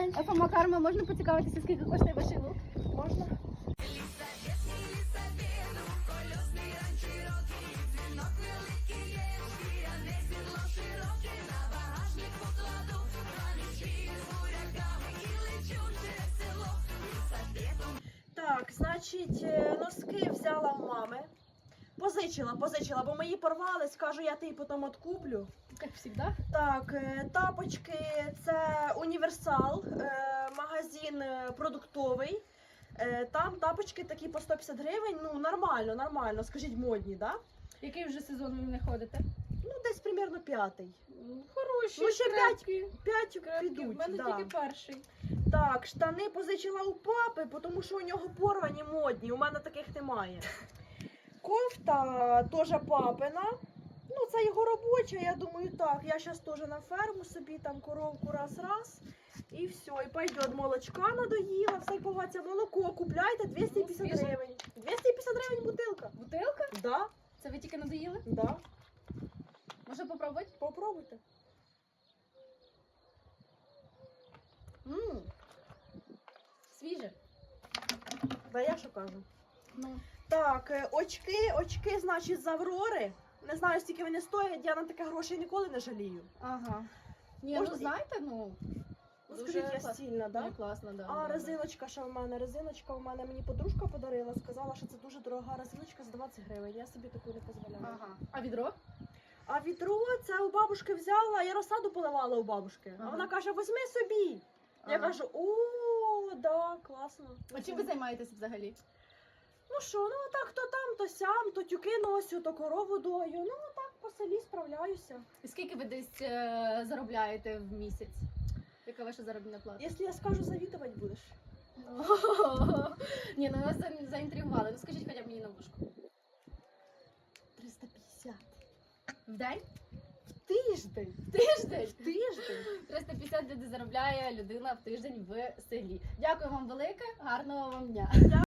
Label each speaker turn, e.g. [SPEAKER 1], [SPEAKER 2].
[SPEAKER 1] день.
[SPEAKER 2] ФМ Карма, можна поцікавитися, скільки коштує ваш лук?
[SPEAKER 1] Можна? Так, значить, носки взяла в мами. Позичила, бо мої порвались, кажу, я тобі потім откуплю.
[SPEAKER 2] Як завжди.
[SPEAKER 1] Так, тапочки, це універсал, магазин продуктовий. Там тапочки такі по 150 гривень, ну нормально, скажіть, модні, да?
[SPEAKER 2] Який вже сезон ви не ходите?
[SPEAKER 1] Ну, десь примерно 5-й.
[SPEAKER 2] Хороші,
[SPEAKER 1] Ну, ще
[SPEAKER 2] крепкі.
[SPEAKER 1] 5
[SPEAKER 2] Крепкі.
[SPEAKER 1] підуть,
[SPEAKER 2] У мене
[SPEAKER 1] да.
[SPEAKER 2] тільки перший.
[SPEAKER 1] Так, штани позичила у папи, тому що у нього порвані модні, у мене таких немає. Кофта теж папина. Ну, це його робоча, я думаю, так. Я зараз теж на ферму собі, там коровку раз. І все, і пойдет. Молочка надоїла, все поваться молоко. Купляйте 250
[SPEAKER 2] свіже?
[SPEAKER 1] гривень. 250 гривень бутилка.
[SPEAKER 2] Бутилка?
[SPEAKER 1] Да,
[SPEAKER 2] Це ви тільки надоїли?
[SPEAKER 1] да.
[SPEAKER 2] Може попробувати?
[SPEAKER 1] Попробуйте.
[SPEAKER 2] Свіже?
[SPEAKER 1] Да я що кажу.
[SPEAKER 2] Ну.
[SPEAKER 1] Так, очки, значить, з Аврори. Не знаю, скільки вони стоять, я на таке грошей ніколи не жалію.
[SPEAKER 2] Ага. Ні,
[SPEAKER 1] Можна-
[SPEAKER 2] ну знаєте, ну.
[SPEAKER 1] Ну,
[SPEAKER 2] дуже
[SPEAKER 1] скажіть, я
[SPEAKER 2] клас-
[SPEAKER 1] стільна, да?
[SPEAKER 2] Ні, класно, да.
[SPEAKER 1] А
[SPEAKER 2] да,
[SPEAKER 1] резиночка ще в мене. Резиночка в мене мені подружка подарила, сказала, що це дуже дорога резиночка за 20 гривень. Я собі таку не
[SPEAKER 2] да.
[SPEAKER 1] дозволяю.
[SPEAKER 2] Ага. А відро?
[SPEAKER 1] А відро це у бабушки взяла, я розсаду поливала у бабушки.
[SPEAKER 2] Ага.
[SPEAKER 1] А вона каже, візьми собі. Я
[SPEAKER 2] Ага.
[SPEAKER 1] кажу, о, да, класно.
[SPEAKER 2] А чим ви займаєтесь взагалі?
[SPEAKER 1] Ну що, ну так то там, то сям, то тюки носю, то корову дою. Ну так по селі справляюся.
[SPEAKER 2] І скільки ви десь заробляєте в місяць? Яка ваша заробітна плата?
[SPEAKER 1] Якщо я скажу, завідувати будеш.
[SPEAKER 2] Ні, ну вас заінтригували. Ну скажіть хоча б мені на вушку.
[SPEAKER 1] 350.
[SPEAKER 2] В день?
[SPEAKER 1] Тиждень.
[SPEAKER 2] Тиждень?
[SPEAKER 1] Тиждень.
[SPEAKER 2] 350 людей заробляє людина в тиждень в селі. Дякую вам велике, гарного вам дня.